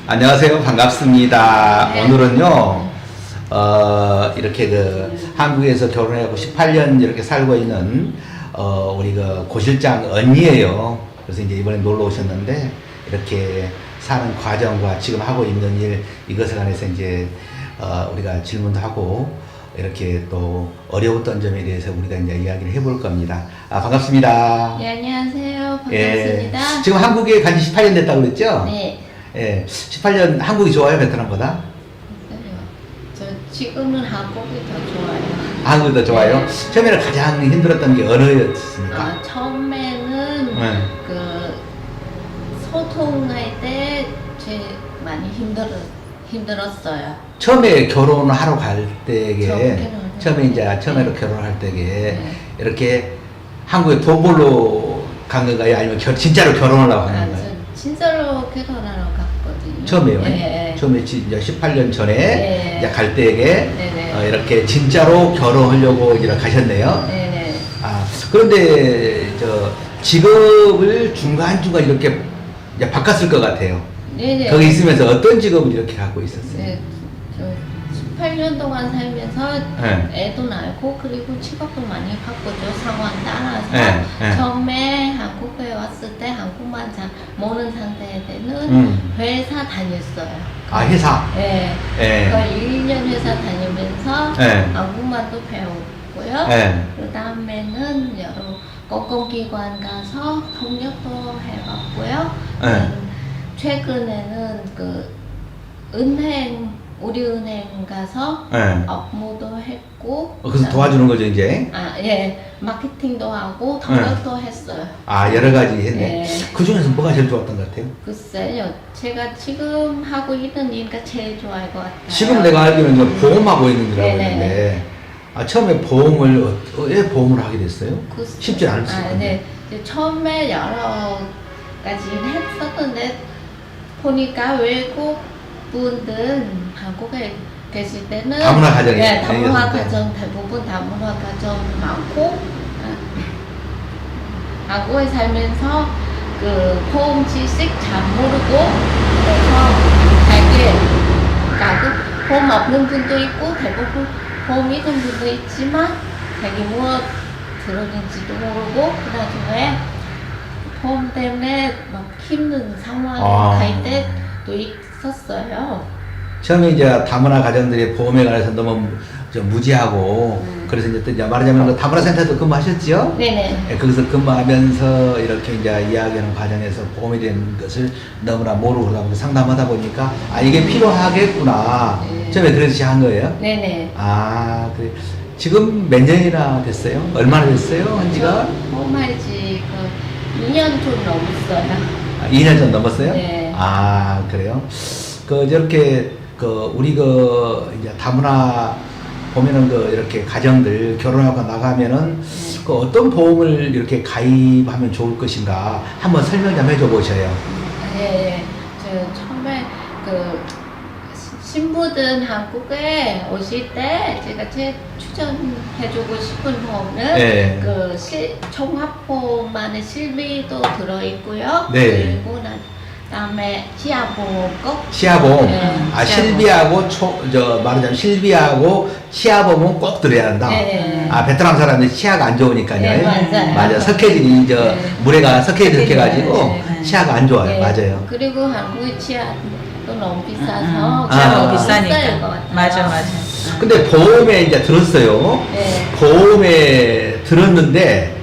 안녕하세요. 반갑습니다. 네. 오늘은요, 이렇게 한국에서 결혼해갖고 18년 이렇게 살고 있는, 우리 고 실장 언니예요. 그래서 이제 이번에 놀러 오셨는데, 이렇게 사는 과정과 지금 하고 있는 일, 이것에 관해서 이제, 우리가 질문도 하고, 이렇게 또 어려웠던 점에 대해서 우리가 이제 이야기를 해볼 겁니다. 반갑습니다. 네, 안녕하세요. 반갑습니다. 예, 지금 한국에 간 지 18년 됐다고 그랬죠? 네. 예, 18년 한국이 좋아요, 베트남보다? 저 지금은 한국이 더 좋아요. 한국이 더 좋아요? 네. 처음에는 가장 힘들었던 게 어느였습니까? 처음에는 네. 그 소통할 때 제일 많이 힘들었어요. 처음에 결혼을 하러 갈 때에, 처음에 처음으로 결혼할 때에, 네. 이렇게 한국에 도보로 간 건가요? 아니면 진짜로 결혼을 하고 간 건가요? 저 진짜로 결혼하러 갔거든요. 처음에요? 네. 처음에 이제 18년 전에 네. 이제 갈 때에 네네. 이렇게 진짜로 결혼하려고 이제 가셨네요. 네네. 그런데 직업을 중간중간 이렇게 이제 바꿨을 것 같아요. 네네. 거기 있으면서 어떤 직업을 이렇게 갖고 있었어요? 네. 저 18년 동안 살면서 네. 애도 낳고 그리고 직업도 많이 바꾸죠. 상황 따라서. 네, 네. 처음에 한국에 왔을 때 한국말 잘 모르는 상태에는 회사 다녔어요. 회사? 네. 네. 그 1년 회사 다니면서 네. 한국말도 배웠고요. 네. 그 다음에는 여러 공공기관 가서 통역도 해봤고요. 네. 최근에는 우리 은행 가서 네. 업무도 했고. 그래서 도와주는 거죠, 이제? 예. 마케팅도 하고 통역도 했어요. 여러 가지 했네. 네. 그 중에서 뭐가 제일 좋았던 것 같아요? 글쎄요. 제가 지금 하고 있는 일가 제일 좋아할 것 같아요. 지금 내가 알기로는 이제 보험하고 있는 줄 알고 네네네. 있는데, 처음에 보험을, 왜 보험을 하게 됐어요? 쉽지 않을 수 있는데. 네. 이제 처음에 여러 가지 했었는데 보니까 외국 분들 한국에 계실 때는 다문화 가정이에요. 네, 다문화 네, 가정 대부분 다문화 가정 많고 한국에 살면서 보험 지식 잘 모르고 그래서 되게 보험 없는 분도 있고 대부분 보험 있는 분도 있지만 자기 무엇 들었는지도 모르고 그 나중에 보험 때문에 막 힘든 상황 갈 때도 있었어요. 처음에 이제 다문화 가정들이 보험에 관해서 너무 좀 무지하고, 그래서 이제 말하자면 다문화 센터도 근무하셨지요? 네네. 거기서 근무하면서 이렇게 이제 이야기하는 과정에서 보험에 대한 것을 너무나 모르고 그러다 보니까 상담하다 보니까, 이게 필요하겠구나. 네. 처음에 그래서 시작한 거예요? 네네. 그래. 지금 몇 년이나 됐어요? 얼마나 됐어요? 한 지가? 보험할지 2년 좀 넘었어요. 2년 전 넘었어요? 네. 그래요? 저렇게, 우리 이제 다문화 보면은 이렇게 가정들 결혼하고 나가면은 어떤 보험을 이렇게 가입하면 좋을 것인가 한번 설명 좀 해줘 보셔요. 네. 저 처음에 신부들 한국에 오실 때 제가 제일 추천해주고 싶은 보험은 네. 종합보험 안에 실비도 들어있고요. 네. 그리고 그다음에 치아보험 꼭. 치아보험. 네, 실비하고 말하자면 실비하고 치아보험은 꼭 들어야 한다. 네. 베트남 사람들이 치아가 안 좋으니까요. 네, 맞아요. 맞아. 석회질이 네. 물에가 석회질 해가지고 네. 치아가 안 좋아요. 네. 맞아요. 그리고 한국의 치아도 너무 비싸서 너무 비쌀 것 비싸니까. 같아요. 맞아. 근데 보험에 이제 들었어요. 네. 보험에 들었는데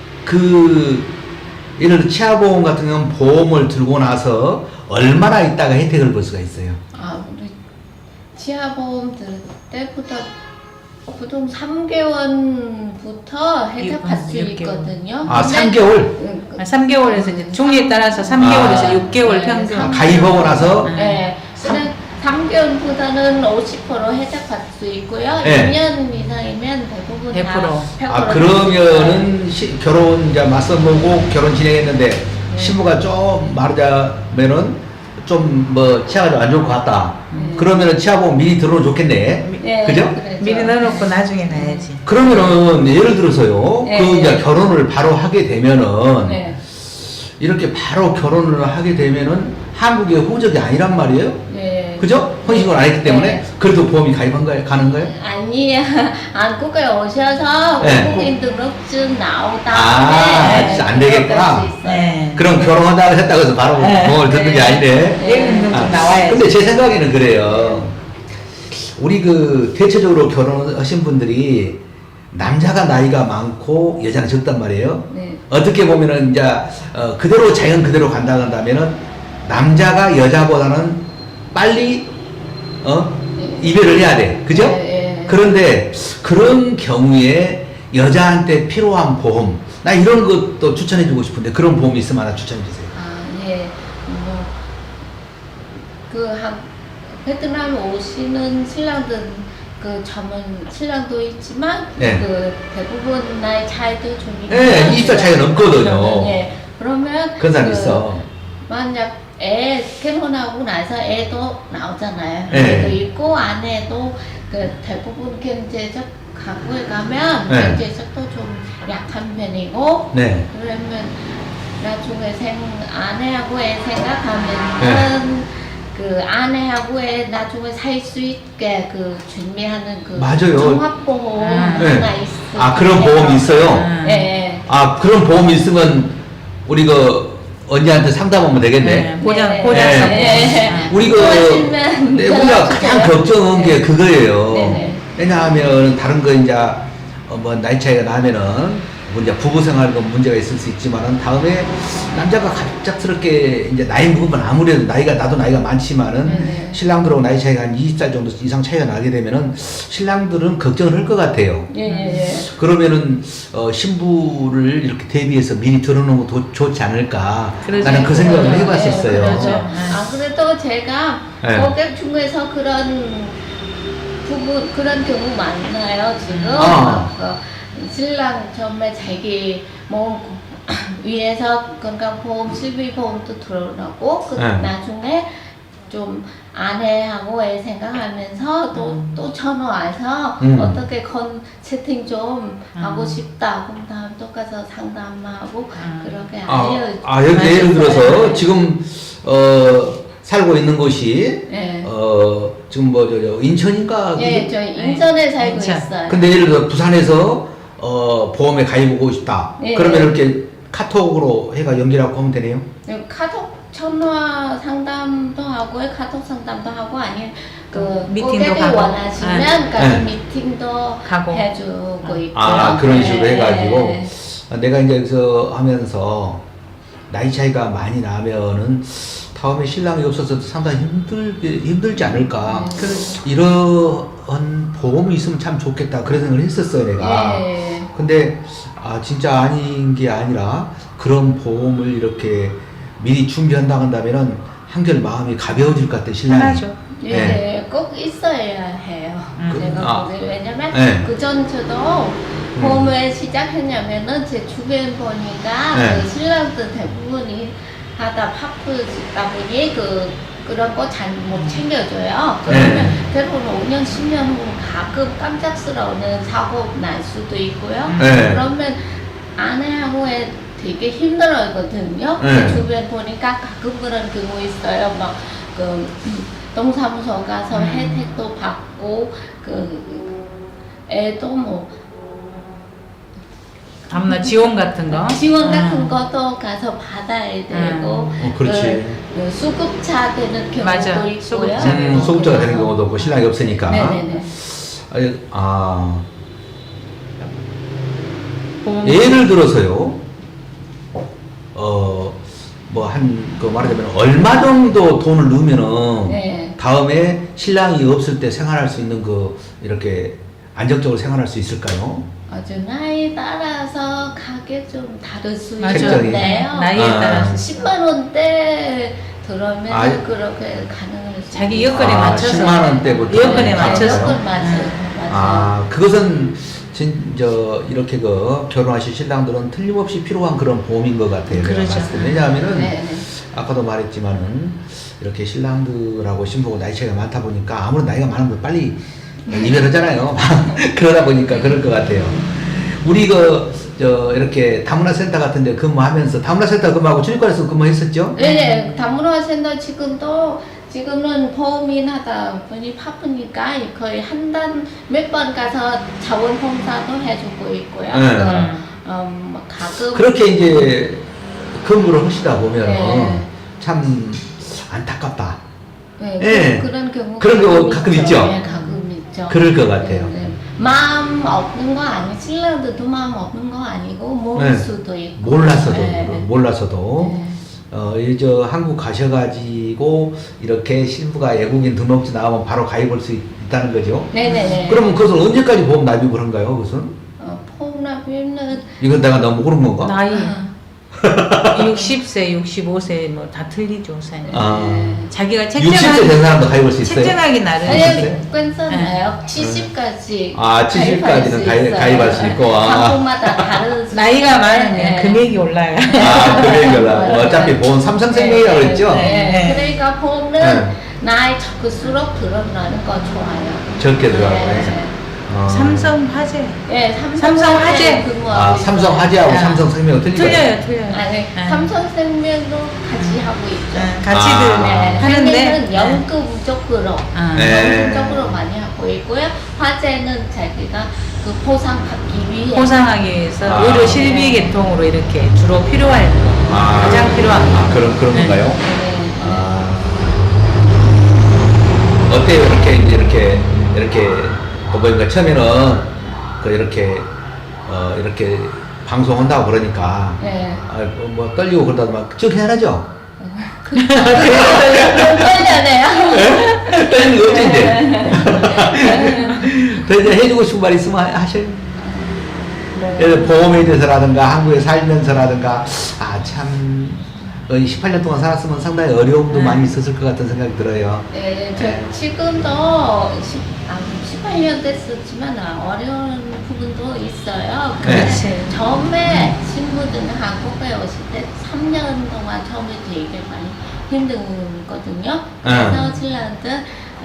예를 들어 치아보험 같은 경우는 보험을 들고 나서 얼마나 있다가 혜택을 볼 수가 있어요? 우리 치아보험 들 때부터 보통 3개월부터 혜택 받을 수 6개월. 있거든요. 3개월? 3개월에서 이제 종류에 따라서 3개월에서 6개월 네, 평균. 가입하고 나서? 네. 근데 3개월보다는 50% 혜택 받을 수 있고요. 네. 2년 이상이면 대부분 100%. 다 100% 그러면은 결혼 이제 맞선 보고 결혼 진행했는데 신부가 좀 말하자면은 좀 치아가 좀 안 좋을 것 같다. 그러면은 치아보험 미리 들어오면 좋겠네. 네, 그죠? 그렇죠. 미리 넣어놓고 나중에 놔야지. 그러면은 예를 들어서요. 네. 이제 결혼을 바로 하게 되면은 네. 이렇게 바로 결혼을 하게 되면은 한국의 호적이 아니란 말이에요. 네. 그죠? 혼신고를 안 했기 때문에 네. 그래도 보험이 가입한 거예요? 가는 거예요? 아니야. 한국에 오셔서 네. 외국인 등록증 나온 아, 다음에 안 되겠구나. 그럴 수 있어요. 네. 그럼 결혼한다고 했다고 해서 바로 네. 보험을 듣는 게 네. 아니네. 외국인 아, 좀 나와야지. 근데 제 생각에는 그래요. 우리 그 대체적으로 결혼하신 분들이 남자가 나이가 많고 여자가 적단 말이에요. 네. 어떻게 보면은 이제 그대로 자연 그대로 간다 한다면은 남자가 여자보다는 빨리 네. 이별을 해야 돼. 그죠? 네. 그런데 그런 경우에 여자한테 필요한 보험 나 이런 것도 추천해 주고 싶은데 그런 보험이 있으면 하나 추천해 주세요. 아, 예. 베트남 오시는 신랑들 그 전문 신랑도 있지만 네. 그 대부분 나이 차이도 좀 있고 네, 20살 차이가 넘거든요. 예. 그러면 그런 사람 그 있어. 만약 애 결혼하고 나서 애도 나오잖아요. 네. 애도 있고 아내도 그 대부분 경제적 가구에 가면 네. 경제적도 좀 약한 편이고 네. 그러면 나중에 아내하고 애 생각하면은 그 아내하고 애 나중에 살 수 있게 그 준비하는 그 맞아요. 종합보험 네. 하나 있어요. 아 그런 보험이 있어요. 아. 네. 아 그런 보험이 있으면 우리 그 언니한테 상담하면 되겠네. 네, 보장 네. 보장성. 네. 우리 그 좋아하시면 네, 우리가 연락 가장 주세요. 걱정한 게 네. 그거예요. 네네. 왜냐하면 다른 거 이제 뭐 나이 차이가 나면은 뭐 이제 부부 생활도 문제가 있을 수 있지만은 다음에 남자가 갑작스럽게 이제 나이 먹으면 아무래도 나도 나이가 많지만은 네네. 신랑들하고 나이 차이가 한 20살 정도 이상 차이가 나게 되면은 신랑들은 걱정을 할 것 같아요. 예. 그러면은 신부를 이렇게 대비해서 미리 들어놓는 것도 좋지 않을까 그러죠. 나는 그 생각을 그러죠. 해봤었어요. 그러죠. 아 그래도 제가 네. 고객 중에서 그런 부분 그런 경우 많나요 지금? 신랑 처음에 자기 몸 위해서 건강보험, 실비보험도 들어오고 그 네. 나중에 좀 아내하고 애 생각하면서 또 전화 와서 어떻게 채팅 좀 하고 싶다. 그럼 다음 또 가서 상담하고 그렇게 여기 예를 들어서 지금 살고 있는 곳이 네. 지금 뭐 인천인가? 예, 그게? 저희 인천에 살고 인천. 있어요. 근데 예를 들어 부산에서 보험에 가입하고 싶다. 네. 그러면 이렇게 카톡으로 해가 연결하고 하면 되네요. 카톡 전화 상담도 하고 카톡 상담도 하고 아니면 그 미팅도 고객이 가고. 원하시면 가서 네. 미팅도 가고. 해주고 있고 그런 식으로 네. 해가지고 내가 이제 여기서 하면서 나이 차이가 많이 나면은 다음에 신랑이 없어서 상당히 힘들지 않을까. 이런 보험이 있으면 참 좋겠다. 그런 생각을 했었어요, 내가. 예. 근데 진짜 아닌 게 아니라 그런 보험을 이렇게 미리 준비한다고 한다면은 한결 마음이 가벼워질 것 같아, 신랑이. 편하죠. 예, 네. 꼭 있어야 해요. 제가 보기에 왜냐면 네. 그전 저도 보험을 시작했냐면은 제 주변 보니까 네. 그 신랑들 대부분이 하다 바쁘다 보니 그런 거 잘 못 챙겨줘요. 그러면 네. 대부분 5년, 10년 후 가끔 깜짝스러운 사고 날 수도 있고요. 네. 그러면 아내하고 애 되게 힘들어하거든요. 네. 그 주변 보니까 가끔 그런 경우 있어요. 막 동사무소 가서 혜택도 받고 애도 뭐 다음날 지원 같은 거. 지원 같은 것도 가서 받아야 되고 그렇지. 그 수급차 되는 경우도 맞아. 있고요. 수급자. 소급자가 되는 경우도 없고 신랑이 없으니까. 네네네. 보험. 예를 들어서요. 말하자면 얼마 정도 돈을 넣으면은 네. 다음에 신랑이 없을 때 생활할 수 있는 이렇게 안정적으로 생활할 수 있을까요? 아주 나이에 따라서 가격 좀 다를 수 맞아요. 있는데요. 나이에 따라서. 10만 원대 들어오면 그렇게 가능할 수 자기 여건에 맞춰서. 10만 원대부터. 여건에 맞춰서. 여건 맞아요. 그것은 이렇게 결혼하실 신랑들은 틀림없이 필요한 그런 보험인 것 같아요. 그렇죠. 내가 봤을 때. 왜냐하면은 네. 아까도 말했지만은 이렇게 신랑들하고 신부가 나이 차이가 많다 보니까 아무런 나이가 많으면 빨리 이별하잖아요. 그러다 보니까 그럴 것 같아요. 우리 이렇게 다문화 센터 같은 데 근무하면서 다문화 센터 근무하고 주립관에서 근무했었죠? 네, 다문화 센터 지금은 보험인 하다 보니 바쁘니까 거의 한 달 몇 번 가서 자원봉사도 해주고 있고요. 뭐 가끔 그렇게 이제 근무를 하시다 보면 네. 참 안타깝다. 네, 예. 그런 경우 그런 거 가끔 있죠? 네, 가끔 있죠. 그럴 것 같아요. 네, 네. 마음 없는 거 아니, 신랑들도 마음 없는 거 아니고 모를 네. 수도 있고. 몰라서도 네. 몰라서도 네. 저 한국 가셔가지고 이렇게 신부가 외국인 등록증 나오면 바로 가입할 수 있다는 거죠. 네네네. 그러면 그것은 언제까지 보험 납입을 한가요? 그것은? 폰납입는 이건 내가 너무 모르는 건가? 나이 60세, 65세 뭐 다 틀리죠, 사장님. 아. 자기가 60세 된 사람도 가입할 수 있어요? 책정하기 나름. 아니, 아니, 괜찮아요. 70까지. 아, 70까지는 가입할 수 있고. 한국마다 다른 나이가 많으면 네. 금액이 올라요. 아, 금액이라. 맞아요. 어차피 보험 삼성생명이라고 네, 그랬죠? 네. 네. 그러니까 보험은 네. 나이 적을수록 들어가는 거 좋아요. 적게 들어가고. 네. 삼성화재. 네, 삼성화재. 아, 삼성화재하고 네. 삼성생명은 틀리죠? 틀려요. 아니, 네. 삼성생명도 같이 하고 있죠. 네, 같이들 아. 하는데. 생명은 연금적으로 아. 네. 연금적으로 많이 하고 있고요. 화재는 자기가 그 보상받기 위해 보상하기 위해서 아. 의료 실비 계통으로 이렇게 주로 필요할 거. 아. 가장 필요한 거. 아, 그런 네. 건가요? 네. 아. 어때요? 이렇게 보니까 처음에는 이렇게 방송한다고 그러니까 네. 뭐 떨리고 그러다 막 쭉 해야죠. 떨려네요. 떨리는 거 어쩐데? 더 이제 해주고 싶은 말 있으면 하셔요. 예를 들어 보험에 대해서라든가 한국에 살면서라든가 참 18년 동안 살았으면 상당히 어려움도 많이 있었을 것 같은 생각이 들어요. 네, 네. 지금도 18년 됐었지만 어려운 부분도 있어요. 네. 그렇지. 처음에 친구들은 한국에 오실 때 3년 동안 처음에 되게 많이 힘들거든요. 그래서 신랑들,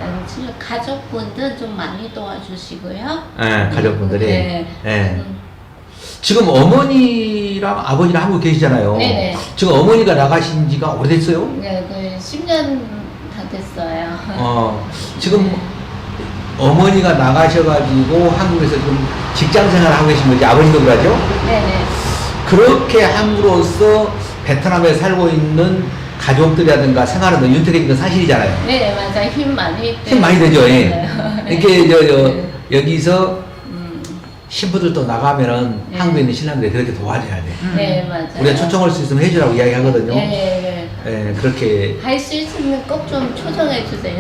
가족분들 좀 많이 도와주시고요. 네, 가족분들이. 네. 네. 지금 어머니랑 아버지랑 한국 계시잖아요. 네네. 지금 어머니가 나가신 지가 오래됐어요? 네, 그 10년 다 됐어요. 지금 어머니가 나가셔가지고 한국에서 좀 직장 생활을 하고 계신 거지, 아버지도 그러죠? 네네. 그렇게 함으로써 베트남에 살고 있는 가족들이라든가 생활은 더 윤택해진 건 사실이잖아요. 네, 맞아요. 힘 많이 힘 많이 되죠, 예. 네. 이렇게 네. 여기서 신부들도 나가면은 네. 한국에 있는 신랑들이 그렇게 도와줘야 돼. 네, 맞아요. 우리가 초청할 수 있으면 해주라고 이야기하거든요. 네, 예, 그렇게 할 수 있으면 꼭 좀 초청해 주세요.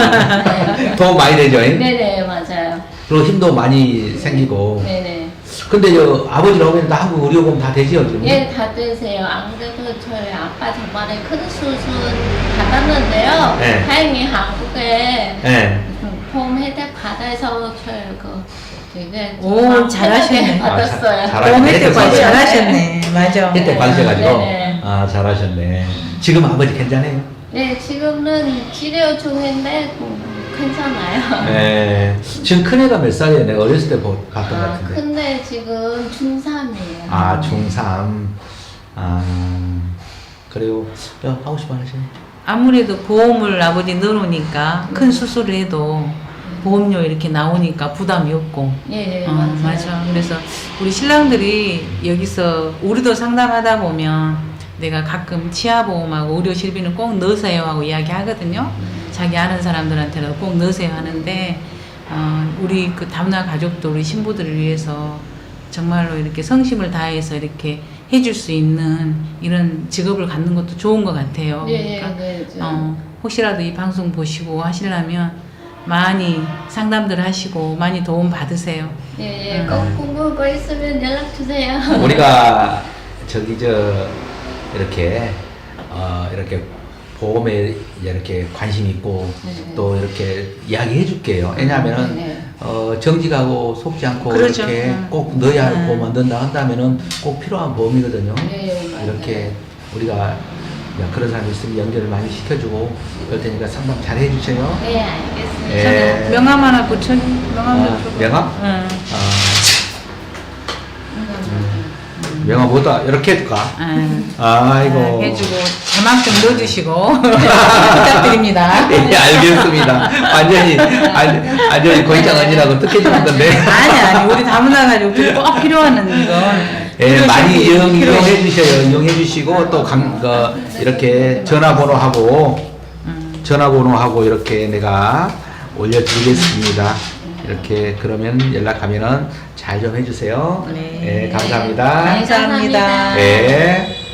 도움 많이 되죠. 예? 네네, 맞아요. 그리고 힘도 많이 생기고. 네네. 근데 아버지랑 어머니 다 한국 의료보험 다 되지요, 지금? 예, 다 되세요. 안 그래도 저희 아빠 저번에 큰 수술 받았는데요. 네. 다행히 한국에 예. 보험 혜택 받아서 저희 되게 오, 잘하시네. 혜택 받았어요. 잘하시네. 너무 혜택 혜택 많이 받아요. 잘하셨네. 맞아. 혜택 받으셔가지고. 네네. 아, 잘하셨네. 지금 아버지 괜찮아요? 네, 지금은 치료 중인데 괜찮아요. 네. 지금 큰애가 몇 살이에요? 내가 어렸을 때 봤던 것 같은데. 근데 지금 중3이에요. 아, 중3. 아, 그리고, 하고 싶어 하시네. 아무래도 보험을 아버지 넣어놓으니까 큰 수술을 해도 보험료 이렇게 나오니까 부담이 없고. 예, 맞아요. 맞아. 그래서 우리 신랑들이 여기서 우리도 상담하다 보면 내가 가끔 치아보험하고 의료실비는 꼭 넣으세요 하고 이야기하거든요. 자기 아는 사람들한테는 꼭 넣으세요 하는데 우리 그 다문화 가족도 우리 신부들을 위해서 정말로 이렇게 성심을 다해서 이렇게 해줄 수 있는 이런 직업을 갖는 것도 좋은 것 같아요. 예, 그러니까 네, 혹시라도 이 방송 보시고 하시려면 많이 상담들 하시고 많이 도움 받으세요. 예, 꼭 궁금한 거 있으면 연락 주세요. 우리가 이렇게 보험에 이렇게 관심 있고 네. 또 이렇게 이야기해 줄게요. 왜냐하면은 네. 정직하고 속지 않고 그렇죠. 이렇게 꼭 넣어야 할 보험만 넣는다 한다면은 꼭 필요한 보험이거든요. 네, 맞아요. 이렇게 우리가 그런 사람이 있으면 연결을 많이 시켜주고 그럴 테니까 상담 잘 해주세요. 네, 알겠습니다. 예. 명함 하나 붙여. 명함 명함? 응. 아, 명함 뭐다 이렇게 해줄까? 아이고. 해주고 자막 좀 넣어주시고 부탁드립니다. 네, 알겠습니다. 완전히 고인장 언니라고 뜻해주는 건데. 아니 우리 다문화 가지고 꼭 필요한 이건. 예, 많이 이용해 주셔요. 이용해 주시고 또 이렇게 전화번호하고 이렇게 내가 올려드리겠습니다. 이렇게 그러면 연락하면은 잘 좀 해주세요. 네. 감사합니다. 감사합니다. 감사합니다. 네.